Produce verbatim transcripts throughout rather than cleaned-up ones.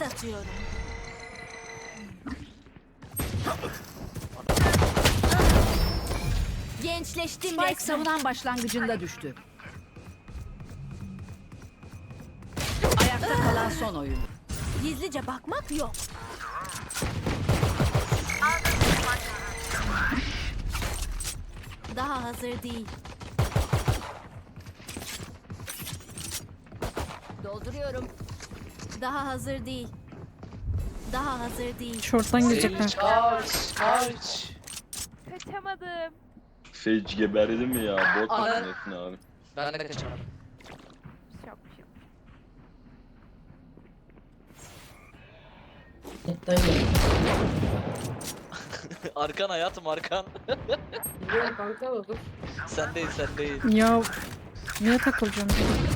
atıyorum. Gençleştim Spike resmen. savunan başlangıcında düştü. Ayakta kalan son oyun. Gizlice bakmak yok. Daha hazır değil. Dolduruyorum. Daha hazır değil. Daha hazır değil. Şorttan girecekler. Kaç, kaç. Kaçamadım. Sage geberdi mi ya? Bot Ana- makinesin abi. Ben de kaçamadım. Çok şık. Netten geldi. Arkan hayatım arkan. Biliyorum kanka da dur. Sen değil sen değil. Ya niye takılacağım?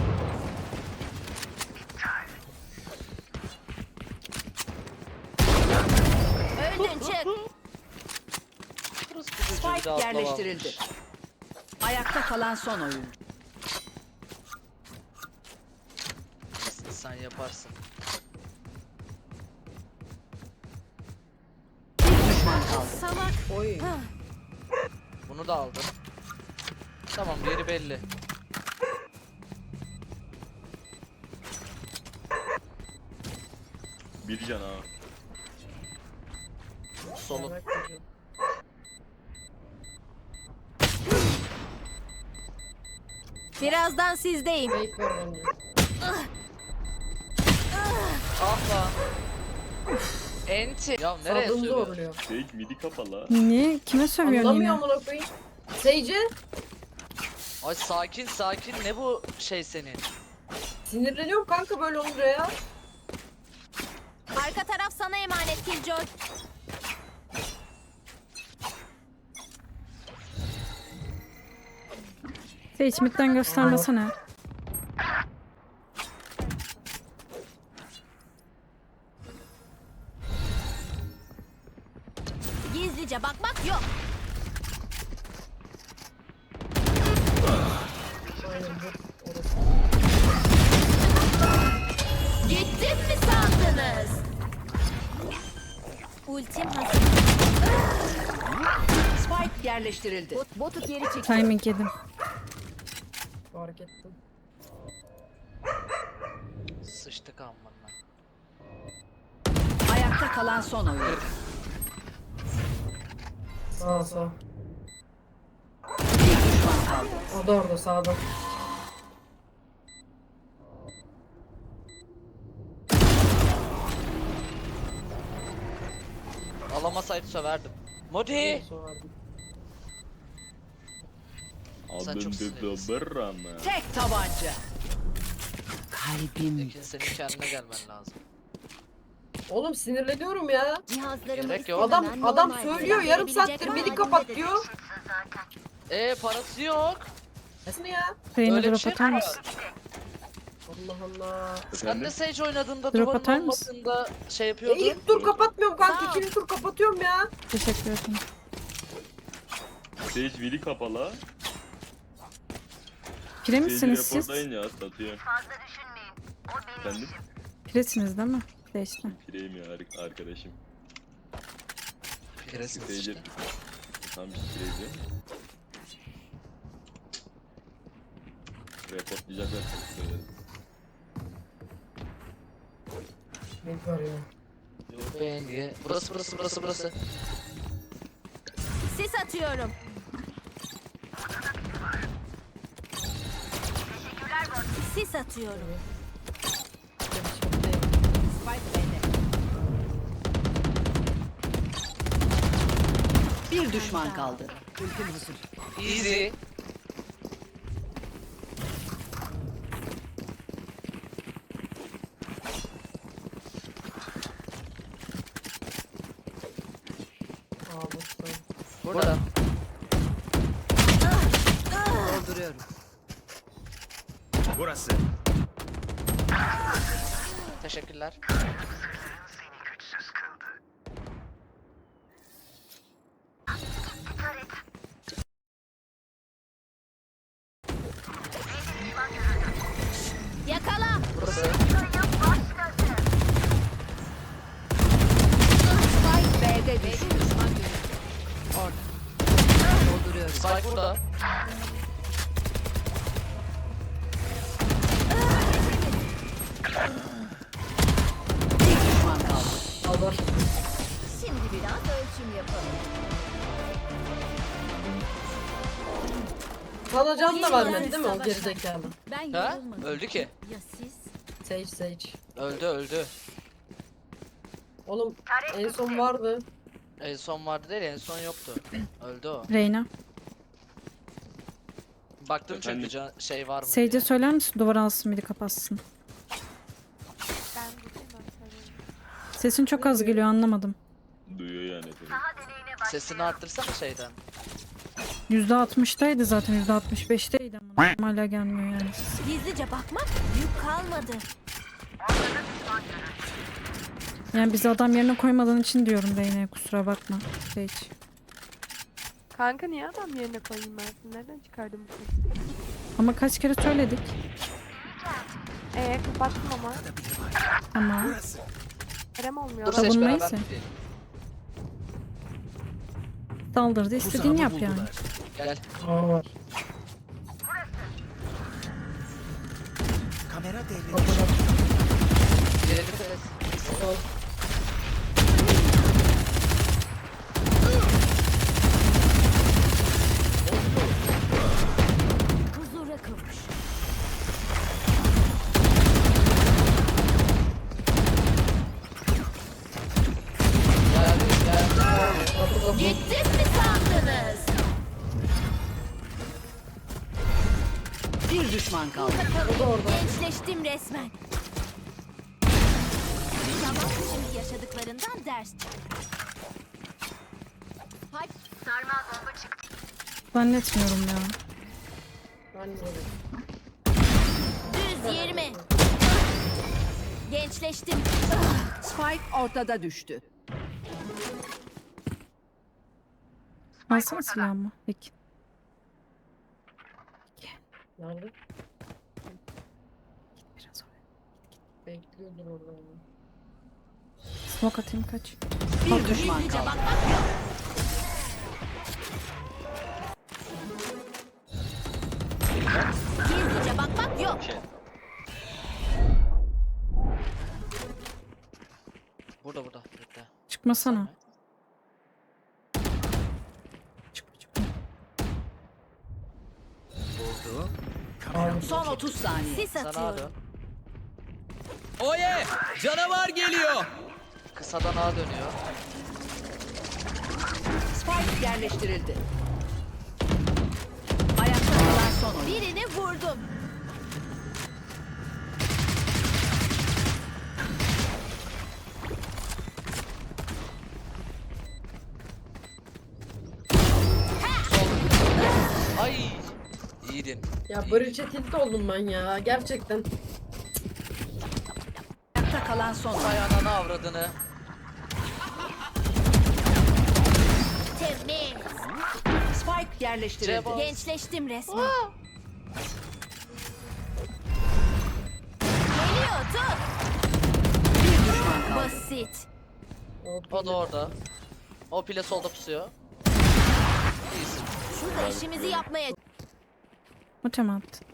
Öldün çık. Burası bir çocuğu bir Spike de atlama yerleştirildi. almış. Ayakta kalan son oyun. Sen yaparsın. Bir düşman kaldı. Salak. Oy. Bunu da aldım. Tamam yeri belli. Bir can ha. Solun. Merak ediyorum. Birazdan sizdeyim. Fake var bence. Ah lan. Enti. Ya nereye Sağlığımı sürüyor? zorluyor. Sage midi kapalı. Niye? Kime sövüyorsun yine? Anlamıyor amına koyayım. Seyce Ay sakin sakin ne bu şey senin? sinirleniyorum kanka böyle olunca ya. Arka taraf sana emanet Killjoy. Sage midden göstermesene. Gizlice bakmak yok. Aynen bu. Orası. Gittim mi sandınız? Ultim hazır. Spike yerleştirildi. Bot, botu geri çek. Timing yedim. Fark ettim. Sıçtık amına. Ayakta kalan son oyun. Sağ sağ. Bir düşman kaldı. O da orada sağda. Alamasaydı söverdim. Modi! Sonra Sen çok Aldım sinirlisin. dedi ama. Tek tabanca. Kalbim. Ekin senin kendine gelmen lazım. Oğlum sinirleniyorum ya. Cihazlarımı Gerek yok. Adam istemeden adam normal söylüyor bir yarım verebilecek saattir ama midi halinde kapat de- diyor. Ee parası yok. Nesine ya? Reyna Öyle bir drop şey atar mi mısın? Allah Allah. Sen de Efendim? Sage oynadığında Drop duvarın atar mısın? olmadığında şey E, yapıyordun. ilk tur kapatmıyorum Sağ kanka. ol. İkinci tur kapatıyorum ya. Teşekkür ederim. Sage midi kapalı. Pire Sage misiniz siz? reportlayın ya satıyor. Efendim? Piresiniz değil mi? Sage'de. Pireyim ya ar- arkadaşım. Piresiniz Sage işte. tam pireydi. Reportlayacaklar tabii söyledim. Ne var ya? Beni. Burası burası burası burası. Sis atıyorum. Sis atıyorum. Spike bende. Bir düşman kaldı. Ultim hazır. Easy. Aa boşta. Burada. Dolduruyorum. Burası. Teşekkürler. Yakala. Burası. kadar. Şimdi biraz ölçüm yapalım. Sana can da Yeni vermedi değil mi o savaşa. gerizekalı? Ben Ha? yorulmadım. Öldü ki. Ya siz? Sage Sage. Öldü öldü. Oğlum en son vardı. En son vardı değil, en son yoktu. Öldü o. Reyna. Baktım çünkü Efendim? can- şey var mı Sage'e diye. söyler misin duvar alsın biri kapatsın. Ben buradayım ben söyleyeyim. Sesin çok az geliyor anlamadım. Duyuyor yani seni. Sesini arttırsana şeyden. yüzde altmıştaydı zaten yüzde altmış beşteydi ama hala gelmiyor yani. Gizlice bakmak yük kalmadı. Yani bizi adam yerine koymadığın için diyorum Reyna'ya kusura bakma. Sage. Kanka niye adam yerine koyayım ben seni? Nereden çıkardım bu sesi? Ama kaç kere söyledik. Eee kapattım ama. Ama Kerem olmuyor. Dur Adam- seç Savunmayı beraber. ise. saldırdı istediğini yap yani. Gel. Aa var. Kamera devre. Kapıda. Gelelim evet. Sol. Huzura kavuş. Geldi geldi. Kapı kapı. Gittim mi sandınız? Bir düşman kaldı. O da orada. Gençleştim resmen. Tamam, şimdi yaşadıklarından ders çık. Hadi. Zannetmiyorum ya. Ben de öyle. Düz yirmi. Gençleştim. Spike ortada düştü. Alsana silahımı. Peki. Nerede? Biraz oraya. Bekliyordur orada onu. Smoke atayım kaç. Bir düşman kaldı. Gizlice bakmak yok. Şey. Burada burada. Bekle. Çıkmasana. Çıkma çıkma. Buldu. Son otuz saniye. Sis Sana atıyorum. dön. Oye! Canavar geliyor. Kısadan A dönüyor. Spike yerleştirildi. Ayakta kalan son oyun. Birini vurdum. Ay. İyiydin. Ya Breach'e tilt oldum ben ya. Gerçekten. Ayakta kalan son oyun. Ay ananı avradını. Temiz. Spike yerleştirildi. Cevap. Gençleştim resmen. Geliyor tut. Bir düşman kaldı. Basit. O da orada. O pile solda pusuyor. İyisin. Şurada işimizi yapmaya. Mutem attı.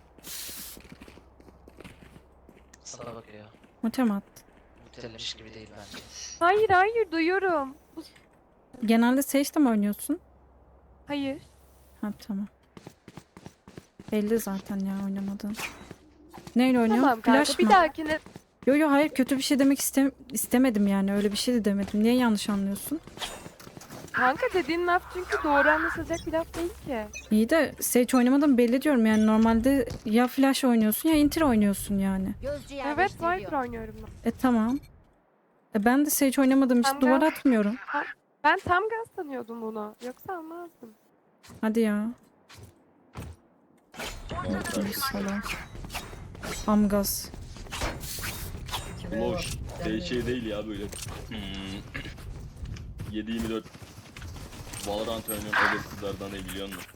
Sana bakıyor. Mutem attı. Mutelemiş gibi değil bence. Hayır hayır duyuyorum. Bu- Genelde Sage'de mi oynuyorsun? Hayır. Ha tamam. Belli zaten ya oynamadığın. Neyle oynuyor? Tamam kanka Flash bir mı? dahakine Yo yo hayır kötü bir şey demek istem istemedim yani öyle bir şey de demedim. Niye yanlış anlıyorsun? kanka dediğin laf çünkü doğru anlaşılacak bir laf değil ki. İyi de Sage oynamadan belli diyorum yani normalde ya Flash oynuyorsun ya Inter oynuyorsun yani. Gözcü Evet yerleştiriyor. Viper oynuyorum ben. E tamam. E ben de Sage oynamadığım için Tamam. duvar atmıyorum. Ben tam gaz sanıyordum bunu. Yoksa almazdım. Hadi ya. Salak. Amgaz. Kime Boş. var? Şey, Yani- şey değil ya böyle. Hmm. yedi yirmi dört Valorant oynayan öyle kızlardan ne biliyor musun?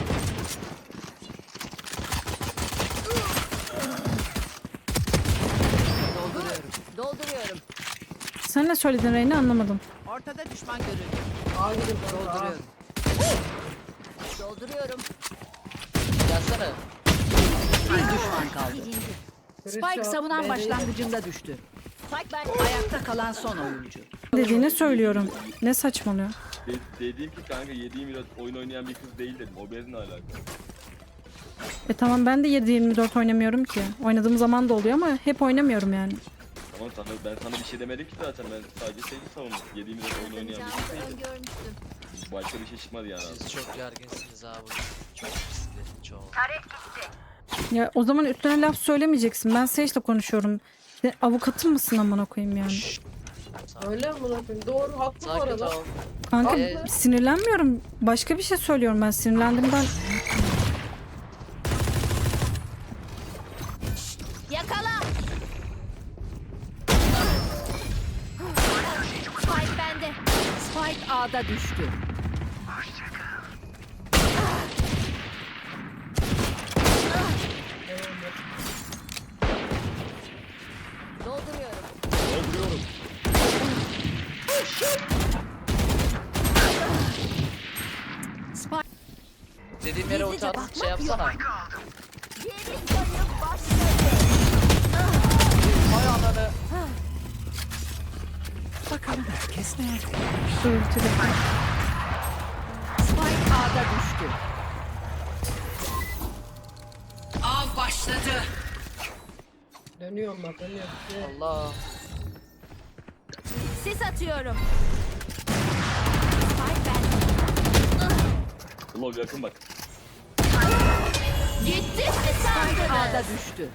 Dolduruyorum. Dolduruyorum. Sen ne söyledin Reyna anlamadım. Ortada düşman görüldü. Aa gidin orada. Dolduruyorum. Dolduruyorum. Gelsene. Bir düşman kaldı. Silindi. Spike savunan B'deydi. başlangıcında düştü. Spike ben. Ayakta kalan son oyuncu. Dediğini söylüyorum. Ne saçmalıyor? De dediğim ki kanka yedi yirmi dört oyun oynayan bir kız değil dedim. O benimle alakalı. E tamam ben de yedi yirmi dört oynamıyorum ki. Oynadığım zaman da oluyor ama hep oynamıyorum yani. Ama sana, ben sana bir şey demedim ki zaten. Ben sadece seni savundum. yedi yirmi dört oyun oynayan bir kız değil dedim. Öngörmüştüm. Başka bir şey çıkmadı yani. Siz çok gerginsiniz abi. Çok riskli. Çok. Ya o zaman üstüne laf söylemeyeceksin. Ben Sage'le konuşuyorum. İşte avukatın mısın amına koyayım yani? Şşş. Öyle mi lan? Doğru haklı bu Sakin arada. ol. Kanka Ee, sinirlenmiyorum. Başka bir şey söylüyorum ben. Sinirlendiğimden Yakala. Spike bende. Spike A'da düştü. Dolduruyorum. Dolduruyorum. Spike Dediğim yere ulti at, şey yapsana. Geri sayım başladı. Hay ananı. bakalım herkes nerede? örtülü. Spike A'da düştü. Av başladı. Dönüyorum bak dönüyorum. Allah. Sis atıyorum. Spike bende. Lol yakın bak. Gitti mi Spike A'da sandınız? düştü.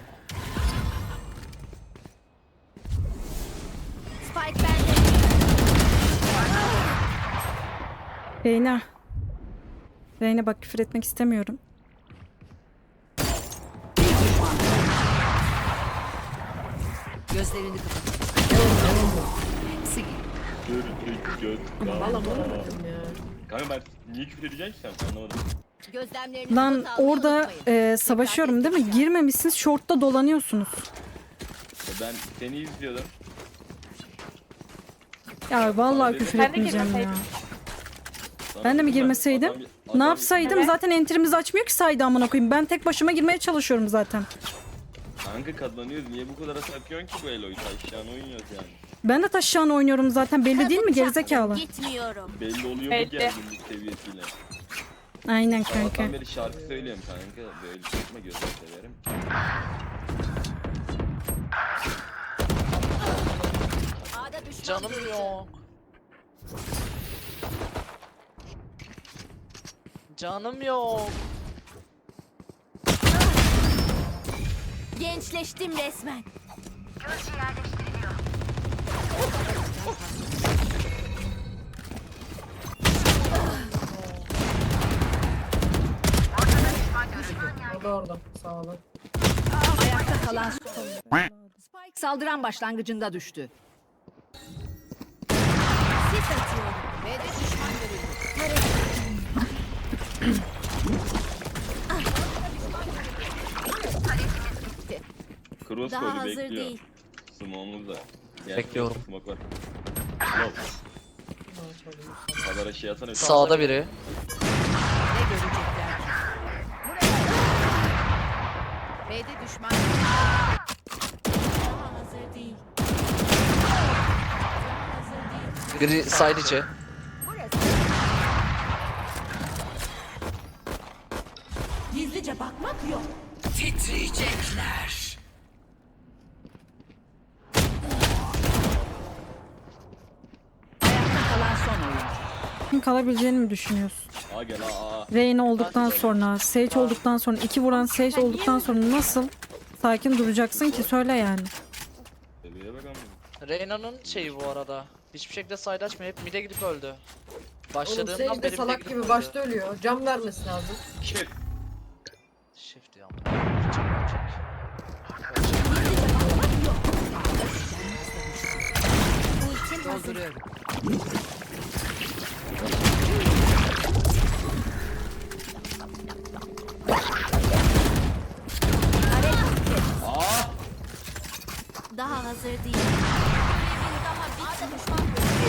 Spike bende. Reyna. Reyna bak küfür etmek istemiyorum. Bir düşman kaldı. Gözlerini kapat. Hepsi gitti. Gördük göz. Valla bana bakın ya. Kanka ben niye küfür edeceksin ki sen? Anlamadım. Gözlemlerinizi Lan not almayı orada unutmayın. e, savaşıyorum değil mi? Girmemişsiniz, shortta dolanıyorsunuz. Ya ben seni izliyordum. Ya vallahi küfür Ben de etmeyeceğim ya. girmeseydim. Sana Ben de mi dedim girmeseydim? adam- Ne adam- yapsaydım? Evet. Zaten enterimizi açmıyor ki saydı amına koyayım. Ben tek başıma girmeye çalışıyorum zaten. Kanka kazanıyoruz. Niye bu kadar takıyorsun ki bu Elo'yu? Taşyan oynuyoruz yani. Ben de taşağını oynuyorum zaten. Belli değil mi gerizekalı? Gitmiyorum. Belli oluyor Belli. bu gerginlik seviyesiyle. Aynen kanka. Sabahtan beri şarkı söylüyorum kanka. Böyle çıkma gözünü severim. A'da düşman Canım görüldü. yok. Canım yok. Gençleştim resmen. O da orada. Sağ olun. Ayakta kalan son. Spike saldıran başlangıcında düştü. Sis atıyorum. B'de düşman görüldü. Cross Daha koydu hazır bekliyor. değil. Smoke'umuz da. Gel, Bekliyorum. Smoke var. Lol. Kadar şey atsana. Sağda biri. Ne görecekler ki? B'de düşman Daha hazır değil. Daha hazır değil. Biri side içi. Gizlice bakmak yok. titriyecekler. Ayakta kalan son oyuncu. Kim kalabileceğini mi düşünüyorsun? Aa gel aa aa. Reyna olduktan sonra, Sage olduktan sonra, iki vuran Sage olduktan sonra nasıl sakin duracaksın ki? Söyle yani. Bebeğe bak ama. Reyna'nın şeyi bu arada. Hiçbir şekilde side açmıyor. Hep mid'e gidip öldü. Oğlum Başladığından Sage beri de mid'e salak gidip gibi öldü. başta ölüyor. Cam vermesi lazım. Shit. Shift ya. Çek, çek. Ultim hazır. Dolduruyorum. Aa! Daha hazır değil. Görevin daha A'da düşman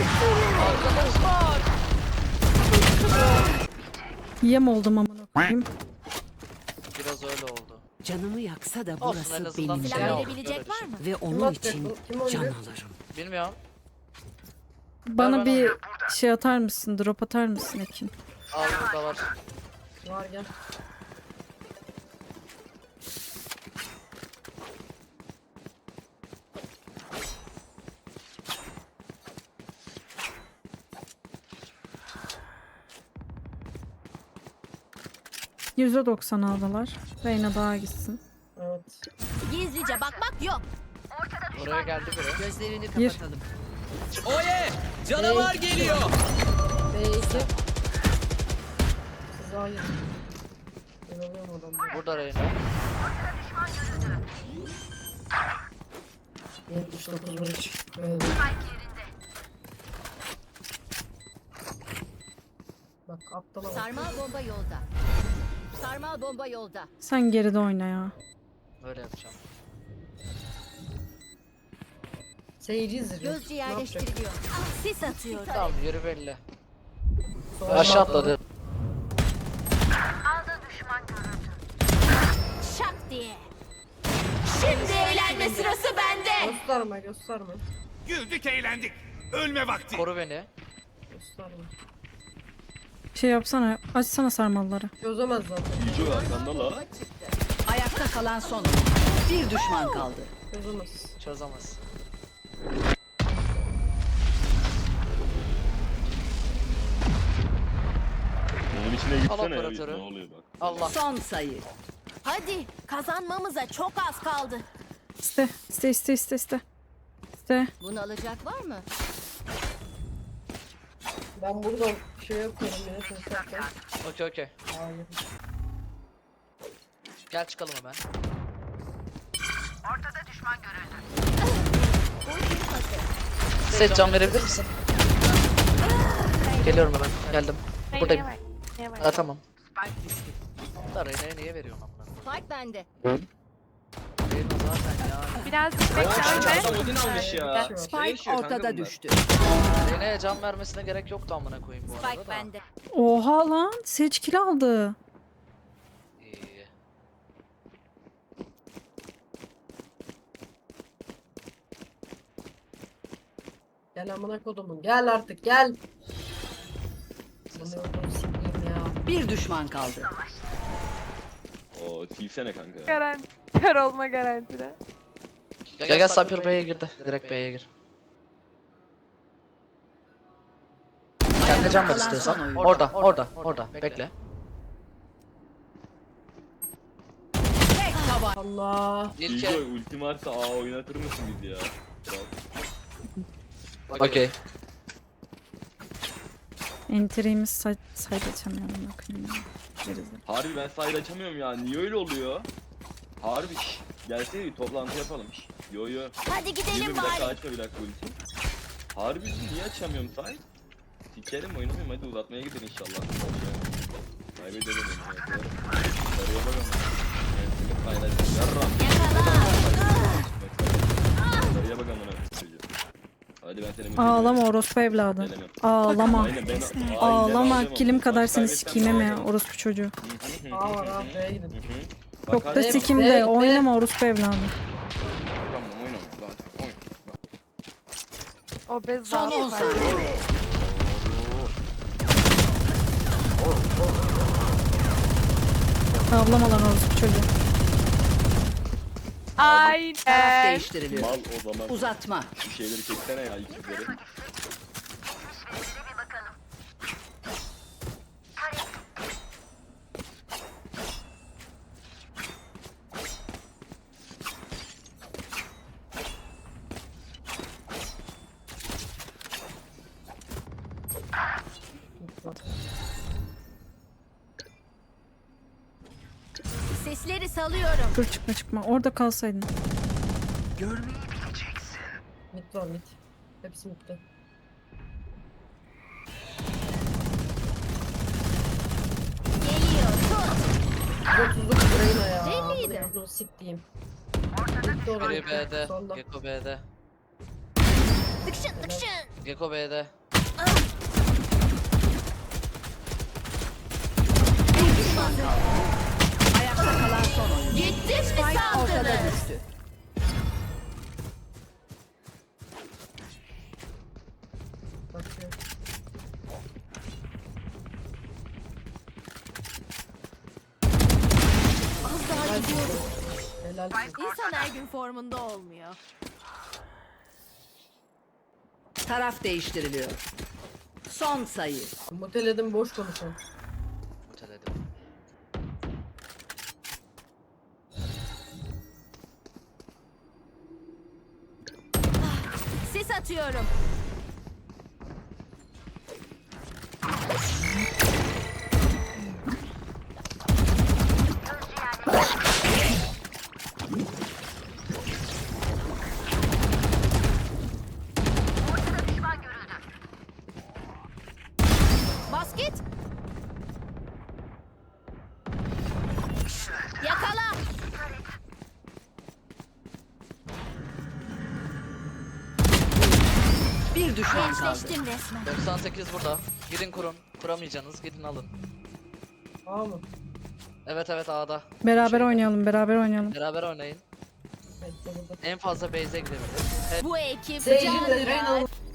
görüldü. Yem oldum amına koyayım. Biraz öyle oldu. Canımı yaksa da Olsun, en burası azından benim şey Silah aldık, verebilecek öyle var mı? ve Kim onun atacak için bu? Kim can oynuyor? alırım. Bilmiyorum. Bana bana. bir şey atar mısın? Drop atar mısın Ekin? Al burada var. Var gel. yüzde doksan aldılar. Reyna daha gitsin. Evet. Gizlice bakmak yok. Buraya geldi biri. Gözlerini Bir. kapatalım. Oye! Canavar geliyor. B iki. Siz hayır. Ben alıyorum adamları. Burada Reyna. yetmiş dokuz vuruş. Evet. Bak aptala bak. Sarmal bomba yolda. Sarmal bomba yolda. Sen geride oyna ya. Böyle yapacağım. Seyirci izleyeceğim. Gözcü Ne yapacak? yerleştiriliyor. Sis atıyor. Tamam yürü belli. Sonra Aşağı atladı. Şak diye. Şimdi eğlenme sırası bende. Gösterme gösterme. Güldük eğlendik. Ölme vakti. Koru beni. Gösterme. Şey yapsana. Açsana sarmalları. Çözemez zaten. İyice var sende la. Ayakta kalan son oyuncu. Bir düşman kaldı. Çözemez. Çözemez. Onun içine gitsene ya. operatörü. Ne oluyor bak. Allah. Son sayı. Hadi kazanmamıza çok az kaldı. İste. İste iste iste iste. İste. Bunu alacak var mı? Ben buradan şey yapıyorum yine seslerken. Okey okey. Hayır. Gel çıkalım hemen. Set can verebilir misin? Geliyorum hemen. Geldim. Buradayım. Neye var? Neye var? Ha tamam. Da Reyna'ya niye veriyorsun amına? Spike bende. Reyna zaten ya. Biraz Adam bekle. Odin almış ya. Spike ortada düştü. Reyna'ya can vermesine gerek yoktu amına koyayım bu arada Spike da. bende. Oha lan. Seç kill aldı. İyi. Gel amına kodumun. Gel artık gel. Bunu yolunu sikeyim ya. Bir düşman kaldı. Oo silsene kanka. Garanti. Kör olma garantide. Gel gel Sniper B'ye girdi. Direkt B'ye gir. Kendine can ver Kalan son istiyorsan. oyuncu. Orada, orada, orada. Bekle. Tek taban. Allah. İlk İyice ultim varsa A oynatır mısın bizi ya? Kral. Okey. Enter'imiz say sayda açamıyorum. Bakayım ya. Gerizekalı. Harbi ben sahil açamıyorum ya. Niye öyle oluyor? Harbi. şş. Gelsene bir toplantı yapalım. şş. Yo yo. Hadi Yirmi gidelim bir dakika bari. açma bir dakika ultim. Harbi niye açamıyorum sahil? Sikerim oynamayayım hadi uzatmaya gidelim inşallah. Kaybedelim yani. Sarıya bak ama. Ben seni paylaşacağım. Yarram. Sarıya bak amına koyayım. Hadi ben seni Ağlama orospu evladı. Gelemem. Ağlama. Aynen, ben- Aynen, Ağlama. ağlayamam. Kilim kadar Maç seni kaybetsem sikeyim mi ağlayamam. orospu çocuğu. Hı hı hı A var hı abi B'ye hı gidin. hı. Çok Bak, da hadi. sikimde. Be- be- Oynama orospu evladı. Oynama, oynama, zaten, oyna. O bez Son on zaten. saniye. Ağlama lan orospu çocuğu. Taraf Aynen. değiştiriliyor. Mal o zaman. Uzatma. Bir şeyleri çeksene ya ikizleri. Sesleri salıyorum. Dur çıkma çıkma. Orada kalsaydın. Mid var mid. Hepsi midde. Geliyor. Tut. yüz otuzluk Reyna ya. Belliydi. Bunu siktiğim. Midde olan Biri B'de. Solda. Gecko B'de. Tıkşın tıkşın. Gecko B'de. Bir düşman kaldı. Ayakta kalan son oyuncu. Gittim mi Spike ortada sandınız? Helal olsun. İnsan her gün formunda olmuyor. Taraf değiştiriliyor. Son sayı. Muteledim boş konuşan. Muteledim. Sis atıyorum. Basket. Yakala. Bir düşman kaldı. Gençleştim resmen. doksan sekiz burada. Gidin kurun. Kuramayacaksınız. Gidin alın. Tamam mı? Evet evet A'da. Beraber Şeyde. oynayalım, beraber oynayalım. Beraber oynayın. Bekle burada. En fazla base'e gidebilir. Bu ekip Seyirci can de ya. Reyna